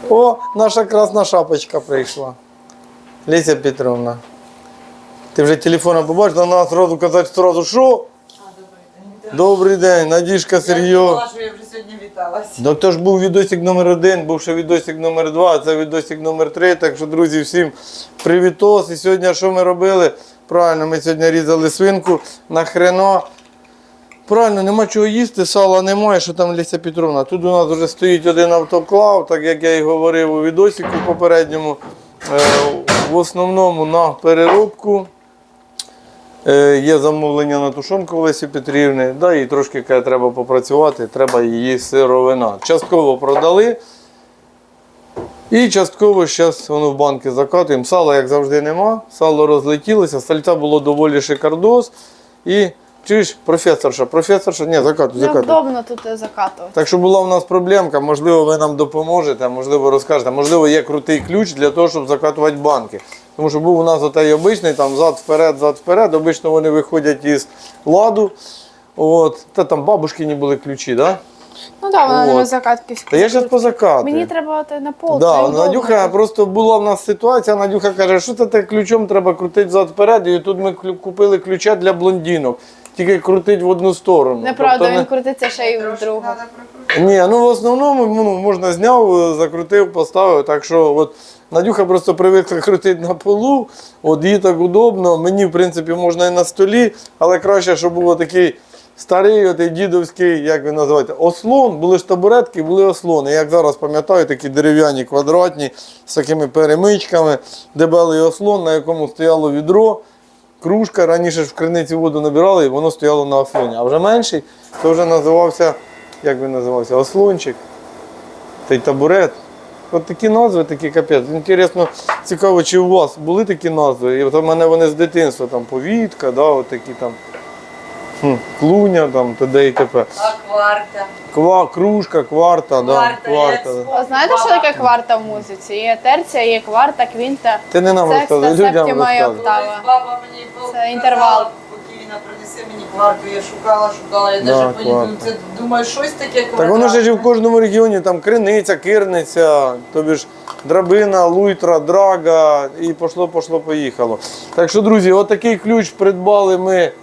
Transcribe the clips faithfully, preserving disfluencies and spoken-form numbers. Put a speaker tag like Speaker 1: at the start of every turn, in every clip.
Speaker 1: О, наша красна шапочка прийшла. Леся Петровна. Ти вже телефоном побачила, треба одразу казати одразу, що? Добрий день, Надіжка, Сергій.
Speaker 2: Я думала, що я вже сьогодні віталася.
Speaker 1: Ну, то ж був відосик номер один, був ще відосик номер два, а це відосик номер три. Так що, друзі, всім привітос. І сьогодні що ми робили? Правильно, ми сьогодні різали свинку на хрено. Правильно, нема чого їсти, сала немає, що там Леся Петровна. Тут у нас вже стоїть один автоклав, так як я і говорив у відосику попередньому. В основному на переробку. Є замовлення на тушонку Лесі Петрівни, да, і трошки каже, треба попрацювати, треба її сировина. Частково продали і частково зараз воно в банки закатуємо. Сала, як завжди, нема, сало розлетілося, сальця було доволі шикардос. І чуєш, професорша, професорша, ні, закатуй, закатуй.
Speaker 3: Неудобно тут закатувати.
Speaker 1: Так що була в нас проблемка, можливо, ви нам допоможете, можливо, розкажете, можливо, є крутий ключ для того, щоб закатувати банки. Тому що був у нас отей обичний, там зад-вперед, зад-вперед, обично вони виходять із ладу. От. Та там бабушкині були ключі, так? Да?
Speaker 3: Ну так, вона
Speaker 1: От.
Speaker 3: на закатки.
Speaker 1: Та я зараз позакатую.
Speaker 3: Мені треба на пол.
Speaker 1: Да, Надюха, просто була в нас ситуація, Надюха каже, що це так ключом треба крутити зад-вперед, і тут ми купили ключа для блондинок. Тільки крутить в одну сторону.
Speaker 3: Неправда,
Speaker 1: Тобто,
Speaker 3: він
Speaker 1: не...
Speaker 3: крутиться ще й в другу.
Speaker 1: Ні, ну в основному ну, можна зняв, закрутив, поставив. Так що от Надюха просто привикла крутити на полу, от їй так удобно. Мені, в принципі, можна і на столі, але краще, щоб був такий старий, отей дідовський, як він називається, ослон. Були ж табуретки, були ослони. Як зараз пам'ятаю, такі дерев'яні, квадратні, з такими перемичками, дебелий ослон, на якому стояло відро. Кружка, раніше ж в криниці воду набирали і воно стояло на ослоні. А вже менший, то вже називався, як він називався, ослончик, та й табурет. От такі назви, такі капець. Інтересно, цікаво, чи у вас були такі назви? І от у мене вони з дитинства, там повітка, да, от такі там, хм, клуня, там, т.д. і т.п.
Speaker 2: А кварта.
Speaker 1: Ква, кружка, кварта, да,
Speaker 2: Кварта,
Speaker 1: кварта.
Speaker 2: я
Speaker 1: Да.
Speaker 3: А знаєте, що таке кварта в музиці? Є терція, є кварта, квінта.
Speaker 1: Ти не нам
Speaker 3: Секста,
Speaker 1: розказуй, людям
Speaker 3: септима і
Speaker 1: розказуй.
Speaker 3: октава.
Speaker 2: Колись баба мені
Speaker 3: Це інтервал.
Speaker 2: Покійна, принеси мені кварту, я шукала, шукала, я
Speaker 1: Да,
Speaker 2: навіть
Speaker 1: кварта.
Speaker 2: поняла, це, думаю, щось таке квартальне.
Speaker 1: Так воно ж і в кожному регіоні, там криниця, кирниця, тобі ж драбина, луйтра, драга і пошло, пошло, поїхало. Так що, друзі, отакий ключ придбали ми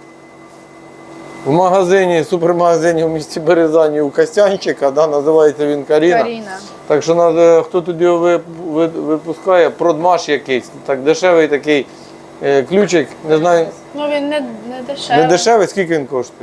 Speaker 1: в магазині, супермагазині в місті Березані у Костянчика, да, називається він Каріна.
Speaker 3: Каріна.
Speaker 1: Так що надо, хто тут його ви- ви- випускає, продмаш якийсь, так дешевий такий е, ключик, не знаю,
Speaker 3: Ну він не, не дешевий.
Speaker 1: не дешевий, скільки він коштує?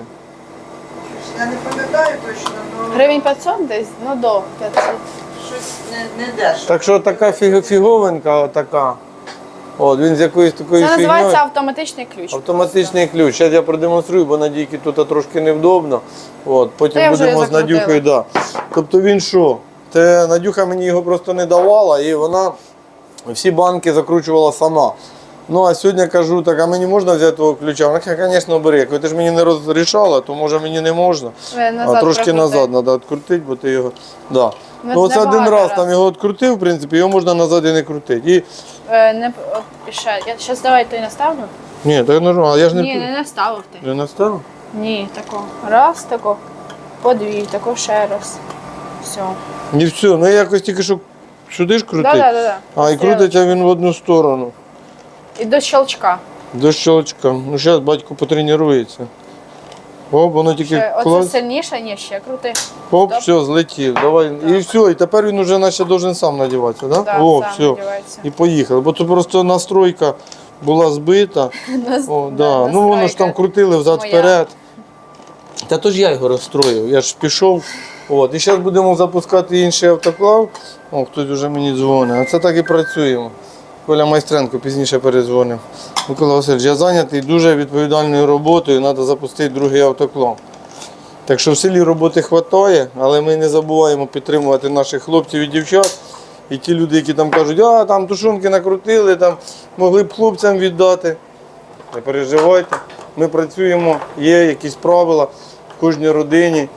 Speaker 2: Я не пам'ятаю точно, але
Speaker 3: Гривень п'ятсот десь, ну до п'ятсот.
Speaker 2: щось не, не дешево.
Speaker 1: Так що така фіг- фіговинка, отака. От, він з якоюсь такою
Speaker 3: Це
Speaker 1: фігньою.
Speaker 3: називається автоматичний ключ.
Speaker 1: Автоматичний ключ. Зараз я продемонструю, бо Надійки тут трошки невдобно. От,
Speaker 3: Та
Speaker 1: потім
Speaker 3: я вже
Speaker 1: будемо з
Speaker 3: закрутила.
Speaker 1: Надюхою. Да. Тобто він що? Те Надюха мені його просто не давала, і вона всі банки закручувала сама. Ну а сьогодні кажу, так, а мені можна взяти того ключа? Вона каже, звісно, бери. Я кажу, ти ж мені не розрішала, то може мені не можна.
Speaker 3: Ви назад
Speaker 1: А трошки
Speaker 3: прикрутите.
Speaker 1: назад треба відкрутити, бо ти його. Да.
Speaker 3: Ми
Speaker 1: Ну, оце один
Speaker 3: небагато
Speaker 1: раз
Speaker 3: раз.
Speaker 1: там його відкрутив, в принципі, його можна назад і не крутити. І...
Speaker 3: Е, не, от, ще. Я зараз давай той наставлю.
Speaker 1: Ні, так нормально, я ж не,
Speaker 3: Ні, не наставив ти.
Speaker 1: не настав.
Speaker 3: Ні, тако. Раз, тако. Подвій, тако ще раз. Все.
Speaker 1: І все, ну я якось тільки що сюди ж крутить.
Speaker 3: Да, да, да, да.
Speaker 1: А, і крутиться він в одну сторону.
Speaker 3: І до щелчка.
Speaker 1: До щелчка. Ну зараз батько потренується. Оп, воно тільки
Speaker 3: Ще, оце
Speaker 1: клас.
Speaker 3: сильніше, ні, ще крути.
Speaker 1: Оп,
Speaker 3: Стоп.
Speaker 1: все, злетів. Давай. І все, і тепер він вже наче должен сам надіватися, да?
Speaker 3: Да,
Speaker 1: О,
Speaker 3: сам
Speaker 1: все.
Speaker 3: надівається.
Speaker 1: І поїхали. Бо тут просто настройка була збита. О, да. Ну воно ж там крутили взад-вперед. Та то ж я його розстроїв, я ж пішов. От. І зараз будемо запускати інший автоклав. О, хтось вже мені дзвонить. А це так і працюємо. Коля Майстренко пізніше перезвонив. Микола Васильович, я зайнятий дуже відповідальною роботою, треба запустити другий автоклав. Так що в селі роботи вистачає, але ми не забуваємо підтримувати наших хлопців і дівчат. І ті люди, які там кажуть, а там тушонки накрутили, там могли б хлопцям віддати. Не переживайте, ми працюємо, є якісь правила в кожній родині.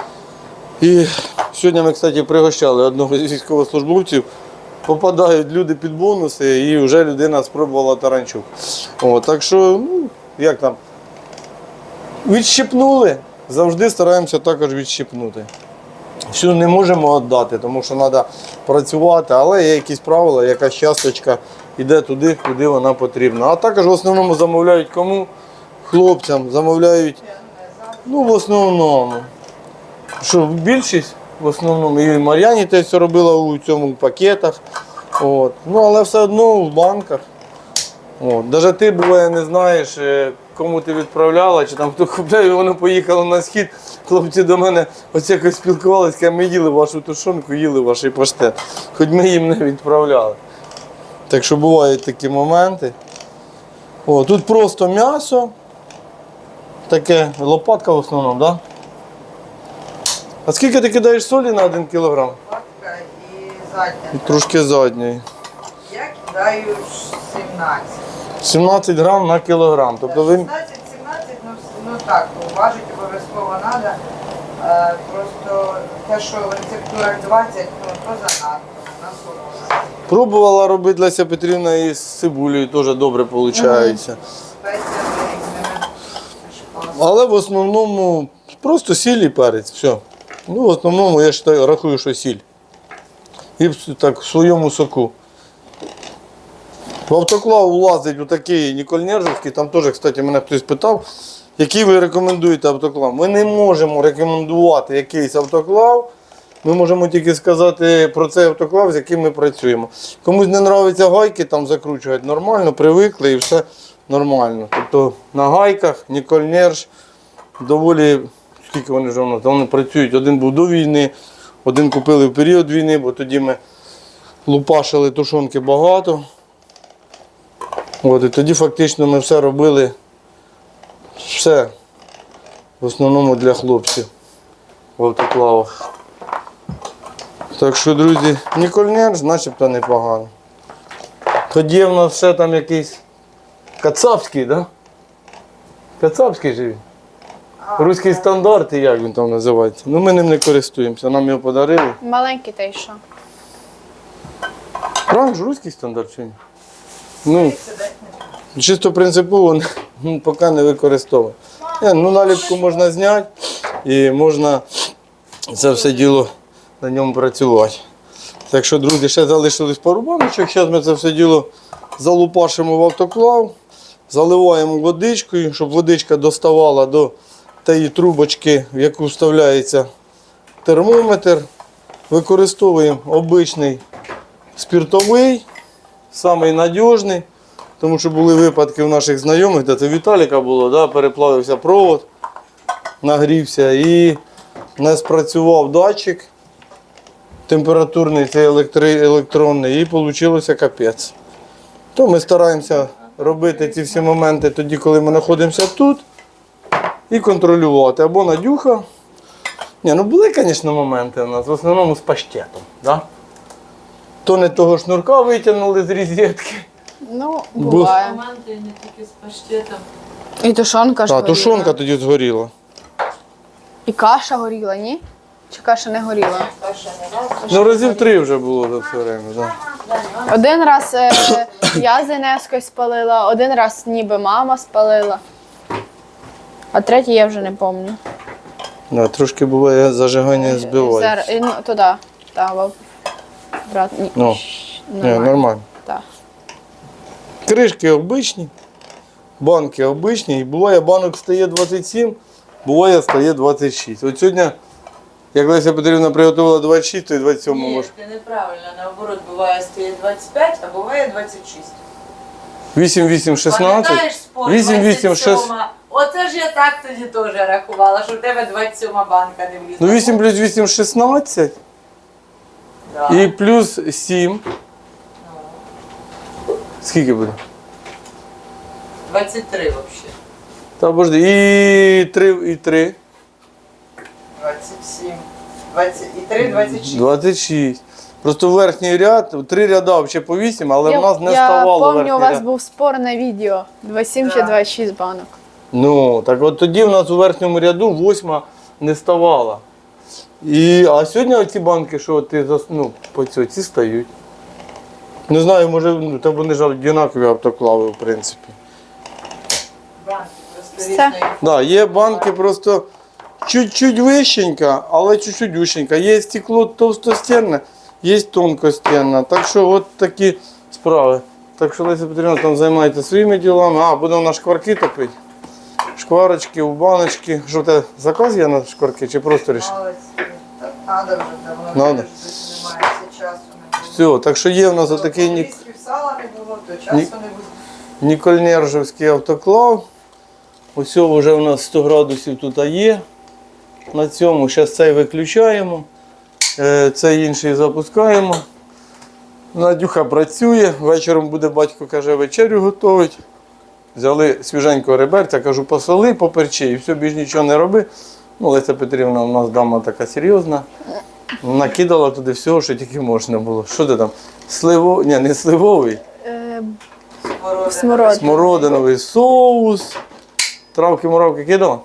Speaker 1: І сьогодні ми, кстати, пригощали одного з військовослужбовців. Попадають люди під бонуси і вже людина спробувала таранчук. О, так що, ну, як там, відщипнули, завжди стараємося також відщипнути. Всю не можемо віддати, тому що треба працювати, але є якісь правила, якась часточка йде туди, куди вона потрібна. А також в основному замовляють кому? Хлопцям, замовляють, ну в основному. Що більшість, в основному, і Мар'яні те все робила у цьому пакетах. От. Ну, але все одно в банках. От. Навіть ти буває не знаєш, е, кому ти відправляла, чи там хто купляє, і воно поїхало на схід. Хлопці до мене ось якось спілкувалися, кажуть, ми їли вашу тушонку, їли ваш паштет. Хоч ми їм не відправляли. Так що бувають такі моменти. О, тут просто м'ясо. Таке лопатка в основному, так? Да? А скільки ти кидаєш солі на один кілограм?
Speaker 2: Лопатка і задня.
Speaker 1: І трошки задньої.
Speaker 2: Я кидаю сімнадцять.
Speaker 1: сімнадцять грам на кілограм. Тобто ви...
Speaker 2: шістнадцять сімнадцять, ну, вс- ну так, важити обов'язково треба. Е, просто те, що в рецептурах двадцять, ну то занадто, на солоно.
Speaker 1: Пробувала робити Леся Петрівна і з цибулею, теж добре виходить.
Speaker 2: Спеція різними.
Speaker 1: Але в основному просто сіль і перець, все. Ну, в основному я считаю, рахую, що сіль. І в- так в своєму соку. В автоклав влазить отакий Нікольнержівський, там теж, кстати, мене хтось питав, який ви рекомендуєте автоклав. Ми не можемо рекомендувати якийсь автоклав, ми можемо тільки сказати про цей автоклав, з яким ми працюємо. Комусь не подобаються гайки, там закручувати нормально, привикли і все нормально. Тобто на гайках Нікольнерж доволі, скільки вони вже у нас, вони працюють. Один був до війни, один купили в період війни, бо тоді ми лупашили тушонки багато. От, і тоді фактично ми все робили, все, в основному для хлопців в автоклавах. Так що, друзі, Нікольнерж начебто непогано. Тоді в нас ще там якийсь кацапський, так? Да? Кацапський же він. Руський стандарт, і як він там називається. Ну ми ним не користуємося, нам його подарили.
Speaker 3: Маленький та й що?
Speaker 1: Правильно ж, руський стандарт чи ні? Ну, чисто принципово ну, поки не використовую. Е, ну, наліпку можна зняти і можна це все діло на ньому працювати. Так що, друзі, ще залишились пару баночок. Зараз ми це все діло залупашимо в автоклав, заливаємо водичкою, щоб водичка доставала до тієї трубочки, в яку вставляється термометр. Використовуємо обичний спиртовий, самий надіжний, тому що були випадки у наших знайомих, де це Віталіка було, да, переплавився провод, нагрівся і не спрацював датчик температурний, цей електри, електронний, і вийшло капець. То ми стараємося робити ці всі моменти тоді, коли ми знаходимося тут, і контролювати. Або надюха. Ні, ну були, звісно, моменти у нас, в основному з паштетом. Да? То не того шнурка витягнули з розетки.
Speaker 3: Ну, буває.
Speaker 2: Моменти не тільки з паштетом.
Speaker 3: І тушонка ж
Speaker 1: А,
Speaker 3: горіла.
Speaker 1: тушонка тоді згоріла.
Speaker 3: І каша горіла, ні? Чи каша не горіла?
Speaker 1: Ну, разів три вже було за все время. Да.
Speaker 3: Один раз е, я з Інескою спалила, один раз ніби мама спалила. А третій я вже не пам'ятаю.
Speaker 1: Да, трошки буває зажигання збиває.
Speaker 3: Зараз, і, ну, туди. Та, в- брат, ні.
Speaker 1: Ну, ні,
Speaker 3: Нормально.
Speaker 1: нормально.
Speaker 3: Так.
Speaker 1: Кришки обичні, банки обичні. І буває банок стає двадцять сім, буває стає двадцять шість. От сьогодні, як Леся Петрівна приготувала двадцять шість, то і двадцять сім
Speaker 2: Ні,
Speaker 1: може.
Speaker 2: це неправильно. Наоборот, буває стає двадцять п'ять, а буває двадцять шість.
Speaker 1: вісім вісім шістнадцять.
Speaker 2: Пам'ятаєш спор?
Speaker 1: вісім вісім
Speaker 2: двадцять сьома.
Speaker 1: шість.
Speaker 2: Оце ж я так тоді теж рахувала, що в тебе двадцять сьома банка не влізла.
Speaker 1: Ну вісім плюс вісім шістнадцять.
Speaker 2: Да.
Speaker 1: І плюс сім. Скільки буде?
Speaker 2: двадцять три взагалі.
Speaker 1: Та божди. І три, і три.
Speaker 2: двадцять сім. двадцять, і три, двадцять шість.
Speaker 1: двадцять шість. Просто верхній ряд, три ряда взагалі по вісім, але
Speaker 3: я,
Speaker 1: в нас не
Speaker 3: я
Speaker 1: ставало
Speaker 3: пам'ятаю,
Speaker 1: верхній
Speaker 3: у вас
Speaker 1: ряд.
Speaker 3: був спор на відео. двадцять сім чи
Speaker 2: Да.
Speaker 3: двадцять шість банок.
Speaker 1: Ну, так от тоді в нас у верхньому ряду восьма не ставала. І, а сьогодні оці банки, що ти зас- ну, по цьому, ці стають. Не знаю, може, ну, та вони ж однакові автоклави, в принципі.
Speaker 2: Банки просто
Speaker 3: Все.
Speaker 2: різної.
Speaker 1: Да, є банки просто, чуть-чуть вищенька, але чуть-чуть вищенька. Є стекло товстостінне, є тонкостінне. Так що от такі справи. Так що Леся Петрівна там займається своїми ділами. А, будемо на шкварки топити. Шкварочки, у баночки. Що в тебе заказ є на шкварки чи просто рішив?
Speaker 2: Молодці. Так треба вже, де воно
Speaker 1: Надо.
Speaker 2: дуже немає, часу не було.
Speaker 1: Все, так що є в нас отакий нік...
Speaker 2: Лісків сала не було, то часу
Speaker 1: Ні.
Speaker 2: не буде.
Speaker 1: Нікольнержівський автоклав. Ось вже у нас сто градусів тут є. На цьому зараз цей виключаємо, е, цей інший запускаємо. Надюха працює, вечором буде, батько каже, вечерю готовить. Взяли свіженького реберця, кажу, посоли, поперчи і все, більш нічого не роби. Ну, Леся Петрівна у нас дама така серйозна. Накидала туди всього, що тільки можна було. Що ти там? Сливо... Ні, не сливовий,
Speaker 3: Е,
Speaker 2: Смородина.
Speaker 3: Смородина.
Speaker 1: смородиновий соус. Травки-муравки кидала?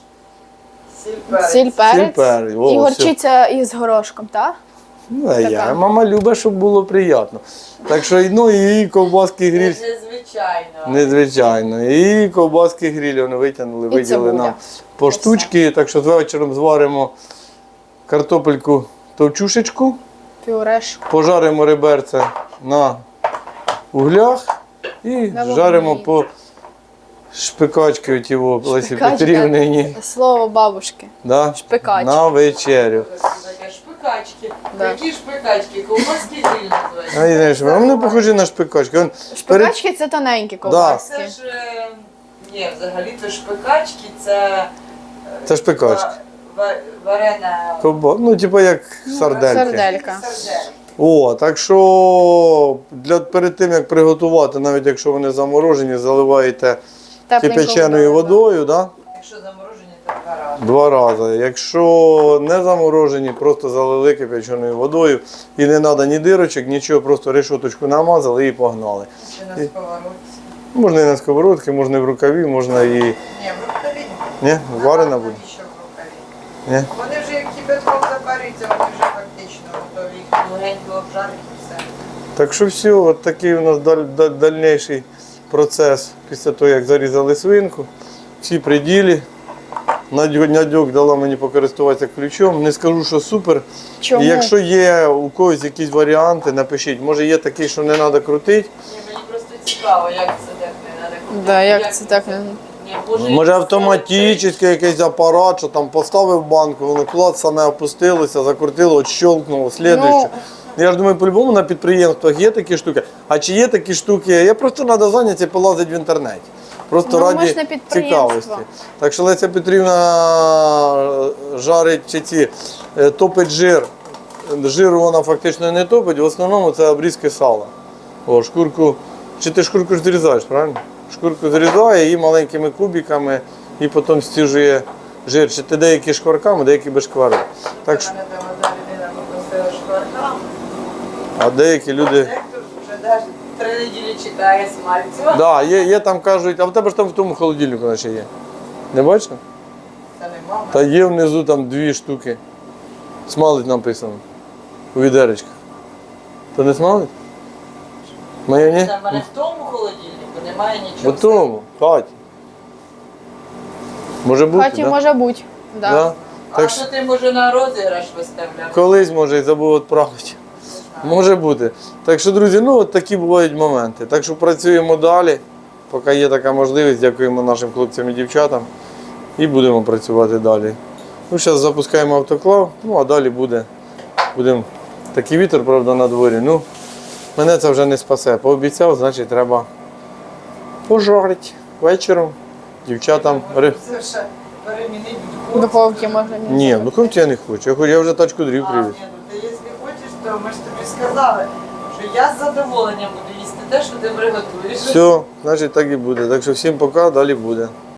Speaker 2: Сіль, перець.
Speaker 3: Сіль, перець.
Speaker 1: Сіль, перець. О,
Speaker 3: І
Speaker 1: все.
Speaker 3: горчиця із горошком, так?
Speaker 1: Ну, а я.
Speaker 3: Така.
Speaker 1: Мама любить, щоб було приємно. Так що ну, і ковбаски гриль.
Speaker 2: Це незвичайно.
Speaker 1: Незвичайно. І ковбаски гриль вони витягнули,
Speaker 3: І
Speaker 1: виділи
Speaker 3: цибуля.
Speaker 1: нам по штучки. Так що вечором зваримо картопельку товчушечку,
Speaker 3: Пюрешку.
Speaker 1: пожаримо реберце на углях і
Speaker 3: На вогні.
Speaker 1: жаримо по шпикачки оті во, Лесі
Speaker 3: Шпикачка.
Speaker 1: Петрівнині.
Speaker 3: Слово бабушки.
Speaker 1: Да?
Speaker 3: Шпикачки.
Speaker 1: На вечерю.
Speaker 2: Таке шпикачки.
Speaker 3: Да.
Speaker 2: Які шпикачки? Ковбаски гриль називається.
Speaker 1: А і знаєш, вони не похожі на шпикачки. Он перед-
Speaker 3: Шпикачки це тоненькі ковбаски.
Speaker 2: Це ж, е, ні, взагалі-то шпикачки це... е,
Speaker 1: Це шпикачки.
Speaker 2: ва- ва- Варена...
Speaker 1: Ковба- Ну, типу як сардельки.
Speaker 3: Сарделька.
Speaker 2: Сардельки.
Speaker 1: О, так що для, перед тим, як приготувати, навіть якщо вони заморожені, заливаєте
Speaker 3: Тепленькою
Speaker 1: кипяченою водою, да?
Speaker 2: Якщо заморожені, то два рази.
Speaker 1: Два рази. Якщо не заморожені, просто залили кипяченою водою. І не треба ні дирочок, нічого, просто решоточку намазали і погнали.
Speaker 2: Чи на сковородці.
Speaker 1: Можна і на сковородці, можна і в рукаві, можна і...
Speaker 2: Ні, в рукаві.
Speaker 1: Ні, варена буде?
Speaker 2: Навіщо в рукаві?
Speaker 1: Ні?
Speaker 2: Вони вже як кипятком запарюються, вони вже фактично готові. Їх легенько обжарити і все.
Speaker 1: Так що все, от такий у нас даль, даль, дальніший процес після того, як зарізали свинку. Всі при ділі. Надю- Надюк дала мені покористуватися ключом. Не скажу, що супер.
Speaker 3: Чому?
Speaker 1: І якщо є у когось якісь варіанти, напишіть. Може є такий, що не треба крутити.
Speaker 2: Ні, мені просто цікаво, як це так не треба крутити.
Speaker 3: Да, як це так не-
Speaker 2: Ні, може,
Speaker 1: Може
Speaker 2: це-
Speaker 1: автоматичний якийсь апарат, що там поставив банку, воно клад саме опустилося, закрутило, отщелкнуло, слідуюче. Я ж думаю, по-любому на підприємствах є такі штуки. А чи є такі штуки? Я просто треба зайнятися і полазити в інтернеті. Просто
Speaker 3: Ну, ми
Speaker 1: раді
Speaker 3: ж не підприємство.
Speaker 1: цікавості. Так що Леся Петрівна жарить чи ці, е, топить жир. Жиру вона фактично не топить, в основному це обрізки сала. О, шкурку. Чи ти шкурку ж зрізаєш, правильно? Шкурку зрізає її маленькими кубиками і потім стіжує жир. Чи ти деякі шкварками, деякі без шкварок. Так що,
Speaker 2: Мене там одна людина попросила шкваркам.
Speaker 1: а деякі люди.
Speaker 2: Директор вже навіть три неділі чекає смальцю.
Speaker 1: Да, є, є там кажуть, а в тебе ж там в тому холодильнику наче є. Не бачиш?
Speaker 2: Це не мама.
Speaker 1: Та є внизу там дві штуки. Смалить написано. У відеречках. То не смалить? Моє ні?
Speaker 2: Це в мене в тому холодильнику немає
Speaker 1: В
Speaker 2: нічого.
Speaker 1: тому, Каті. Може бути,
Speaker 3: Хаті
Speaker 1: да?
Speaker 3: може бути. Да.
Speaker 1: Да?
Speaker 2: А
Speaker 1: Так
Speaker 2: що
Speaker 1: що
Speaker 2: ти може на розіграш виставляв?
Speaker 1: колись, може, і забув відправити. Може бути. Так що, друзі, ну от такі бувають моменти. Так що працюємо далі, поки є така можливість. Дякуємо нашим хлопцям і дівчатам. І будемо працювати далі. Ну, зараз запускаємо автоклав, ну а далі буде. Будемо. Такий вітер, правда, на дворі. Ну, мене це вже не спасе. Пообіцяв, значить треба пожарити вечором. Дівчатам. ри-
Speaker 2: Це ще перемінить
Speaker 3: В духовці можна не
Speaker 1: Ні, ну духовці я не хочу. Я хочу- Я вже тачку дрів
Speaker 2: А,
Speaker 1: привіз.
Speaker 2: ні, ну ти якщо хочеш, то ми ж тобі сказали, що я з задоволенням буду їсти те, що ти приготуєш.
Speaker 1: Все, значить так і буде. Так що всім пока, далі буде.